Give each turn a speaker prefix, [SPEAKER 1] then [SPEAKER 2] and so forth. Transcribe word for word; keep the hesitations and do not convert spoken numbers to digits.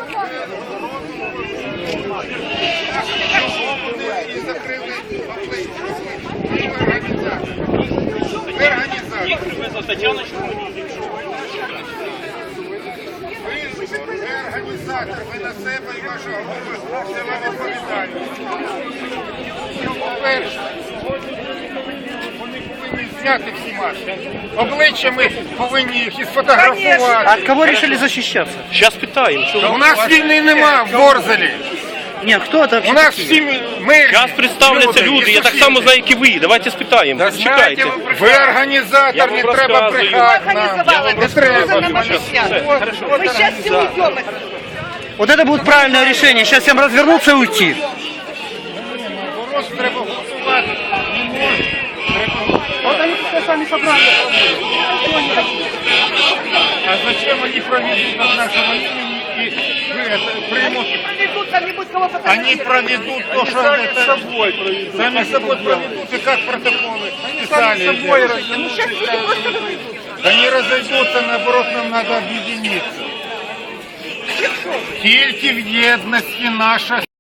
[SPEAKER 1] І закрили ви організатор.
[SPEAKER 2] Їх привезла Тетяна Чорнобіль.
[SPEAKER 1] Ви організатор, ви на себе і ваша група це вам відповідальність. По-перше, вони повинні зняти всі маски. Обличчя ми повинні їх і сфотографувати.
[SPEAKER 3] А от кого решили защищаться?
[SPEAKER 2] Зараз питаємо, що
[SPEAKER 1] У нас війни нема в Ворзелі.
[SPEAKER 3] Нет, кто это?
[SPEAKER 1] У нас всі ми...
[SPEAKER 2] зараз представляться люди, я так само знаю, як і ви. Давайте спитаємо. Чекайте.
[SPEAKER 1] Ви організатор, не
[SPEAKER 2] вам
[SPEAKER 1] треба
[SPEAKER 2] розказую.
[SPEAKER 1] брехати нам. Не треба.
[SPEAKER 4] Мы сейчас все уйдем.
[SPEAKER 3] Вот это будет правильное решение. Сейчас всем развернуться и уйти.
[SPEAKER 1] Вопрос треба голосувати. Не можна.
[SPEAKER 3] Вот они все сами собрали.
[SPEAKER 1] А зачем они проведут от нашего имени и вы это примут?
[SPEAKER 4] Проведут там-нибудь кого
[SPEAKER 1] Они проведут то, что сами это... собой проведут. Сами собой проведут, и как протоколы писали.
[SPEAKER 4] Ну сейчас люди просто разойдутся.
[SPEAKER 1] Они разойдутся, наоборот, нам надо объединиться. Тільки в єдності наша